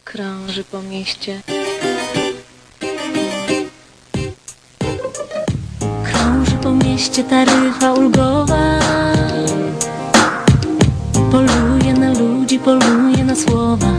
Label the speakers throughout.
Speaker 1: krąży po mieście. Krąży po mieście taryfa ulgowa. Poluje na ludzi, poluje na słowa.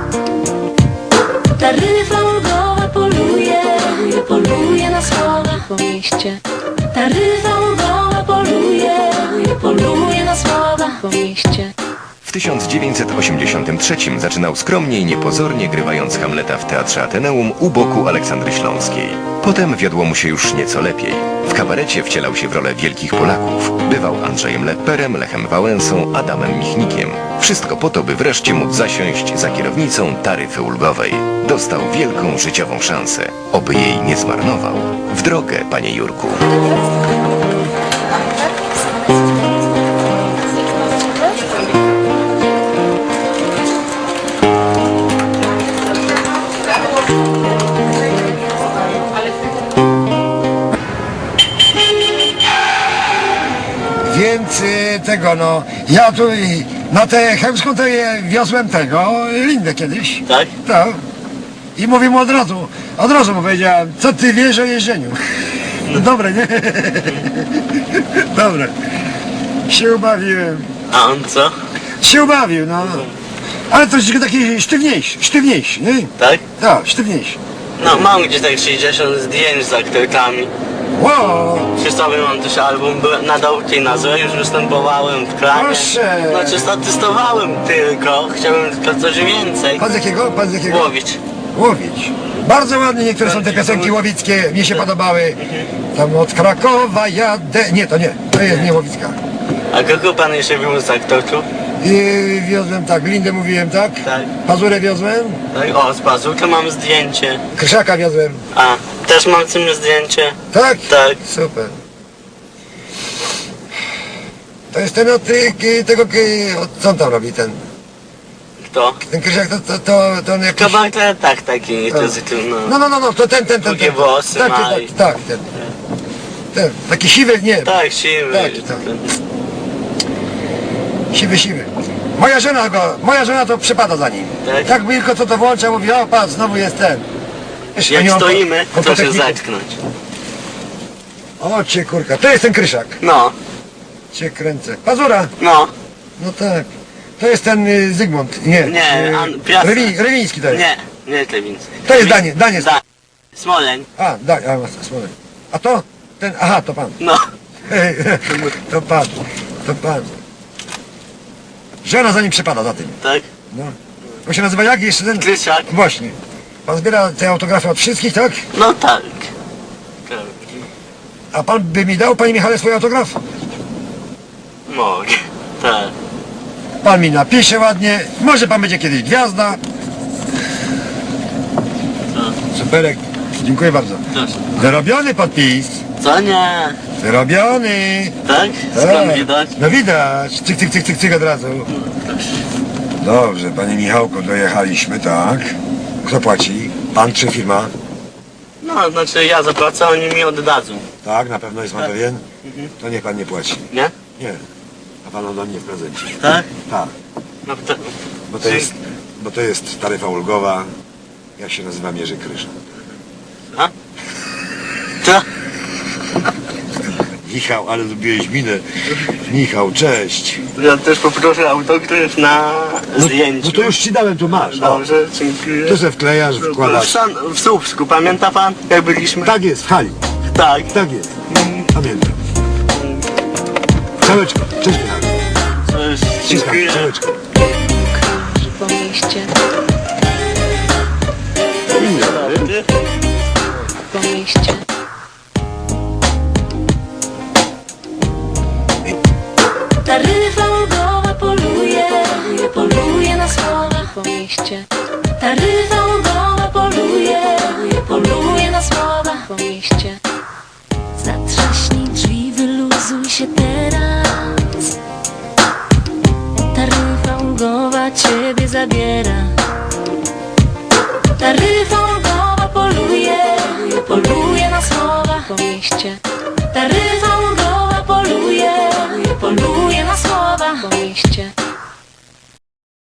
Speaker 1: Taryfa ulgowa poluje, poluje na słowa po mieście. Taryfa ulgowa poluje, poluje na słowa po mieście.
Speaker 2: W 1983 zaczynał skromnie i niepozornie, grywając Hamleta w Teatrze Ateneum u boku Aleksandry Śląskiej. Potem wiodło mu się już nieco lepiej. W kabarecie wcielał się w rolę wielkich Polaków. Bywał Andrzejem Lepperem, Lechem Wałęsą, Adamem Michnikiem. Wszystko po to, by wreszcie móc zasiąść za kierownicą taryfy ulgowej. Dostał wielką życiową szansę. Oby jej nie zmarnował. W drogę, panie Jurku.
Speaker 3: Więc tego no, ja tu na tę Chełmską to wiozłem tego, Lindę kiedyś.
Speaker 4: Tak?
Speaker 3: Tak. I mówię mu od razu mu powiedziałem, co ty wiesz o jeżdżeniu? No dobre, nie? Dobre. Się ubawiłem.
Speaker 4: A on co?
Speaker 3: Się ubawił, no. Ale troszeczkę taki sztywniejszy, nie?
Speaker 4: Tak?
Speaker 3: Tak, sztywniejszy.
Speaker 4: No mam gdzieś tak 60 zdjęć z aktorkami.
Speaker 3: Wow!
Speaker 4: Przy sobie mam też album, byłem na Dołki na Złe, już występowałem w Kranie.
Speaker 3: Proszę!
Speaker 4: Znaczy statystowałem tylko, chciałem tylko coś więcej.
Speaker 3: Pan z jakiego? Pan z jakiego?
Speaker 4: Łowić.
Speaker 3: Łowić. Bardzo ładnie niektóre są te piosenki łowickie, mi się podobały. Tam od Krakowa jadę... Nie, to jest nie Łowicka.
Speaker 4: A kogo pan jeszcze był z aktorów?
Speaker 3: I wiozłem tak, Lindę mówiłem, tak?
Speaker 4: Tak.
Speaker 3: Pazurę wiozłem,
Speaker 4: Tak, o, z Bazooka mam zdjęcie.
Speaker 3: Kryszaka wiozłem.
Speaker 4: A, też mam z tym zdjęcie.
Speaker 3: Tak?
Speaker 4: Tak.
Speaker 3: Super. To jest ten od tego, co on tam robi, ten?
Speaker 4: Kto?
Speaker 3: Ten Kryszak to on jakiś...
Speaker 4: Kabareta, tak, taki, to jest, no.
Speaker 3: No, to ten.
Speaker 4: Długie włosy
Speaker 3: Tak,
Speaker 4: ma
Speaker 3: tak, ten. Ten, taki siwy, nie.
Speaker 4: Tak, siwy.
Speaker 3: Tak. Siwy. Moja żona to przypada za nim.
Speaker 4: Tak?
Speaker 3: Tak tylko co to włącza, mówi, o patrz, znowu jest ten. Wiesz, oni
Speaker 4: Jak
Speaker 3: on
Speaker 4: stoimy,
Speaker 3: on
Speaker 4: to się
Speaker 3: technikę.
Speaker 4: zatknąć.
Speaker 3: O cię kurka, to jest ten Kryszak.
Speaker 4: No,
Speaker 3: Cię kręcę. Pazura.
Speaker 4: no.
Speaker 3: No tak. To jest ten Zygmunt. Nie.
Speaker 4: Nie, Piasek.
Speaker 3: Rewiński to jest.
Speaker 4: Nie Klewiński.
Speaker 3: To jest Daniel.
Speaker 4: Smoleń.
Speaker 3: A, Smolek. A to? Ten, aha, to pan.
Speaker 4: No.
Speaker 3: To pan. Żona za nim przepada za tym.
Speaker 4: Tak?
Speaker 3: No. On się nazywa jak jeszcze ten?
Speaker 4: Krysiak.
Speaker 3: Właśnie. Pan zbiera te autografy od wszystkich, tak?
Speaker 4: No tak.
Speaker 3: A pan by mi dał, panie Michale, swój autograf?
Speaker 4: Mogę. Tak.
Speaker 3: Pan mi napisze ładnie. Może pan będzie kiedyś gwiazda. Superek. Dziękuję bardzo.
Speaker 4: Proszę.
Speaker 3: Wyrobiony podpis.
Speaker 4: Co nie?
Speaker 3: Wyrobiony.
Speaker 4: Tak? Skąd widać?
Speaker 3: No widać. Cyk od razu. Dobrze, panie Michałku, dojechaliśmy, tak. Kto płaci? Pan czy firma?
Speaker 4: No, znaczy ja zapłacę, oni mi oddadzą.
Speaker 3: Tak, na pewno jest pan pewien? To niech pan nie płaci.
Speaker 4: Nie?
Speaker 3: Nie. A pan ode mnie w prezencie.
Speaker 4: Tak?
Speaker 3: Tak.
Speaker 4: No to...
Speaker 3: Bo to jest taryfa ulgowa. Jak się nazywa Jerzy Kryszak.
Speaker 4: A? Co?
Speaker 3: Michał, ale zrobiłeś minę. Michał, cześć.
Speaker 4: Ja też poproszę autograf na zdjęciu.
Speaker 3: No to już ci dałem, tu masz. O,
Speaker 4: Dobrze, dziękuję.
Speaker 3: tu se wklejasz, wkładasz.
Speaker 4: W Słupsku, pamięta pan, jak byliśmy?
Speaker 3: Tak jest, w hali.
Speaker 4: Tak.
Speaker 3: Tak jest. Pamiętam. Całeczko. Cześć Michał.
Speaker 4: Cześć,
Speaker 3: Ściskam,
Speaker 4: dziękuję.
Speaker 3: całeczko.
Speaker 1: Krąży po mieście. Po mieście. Taryfa ulgowa poluje na słowa po mieście. Taryfa ulgowa poluje na słowa po mieście. Zatrzaśnij drzwi, wyluzuj się teraz. Taryfa ulgowa ciebie zabiera. Taryfa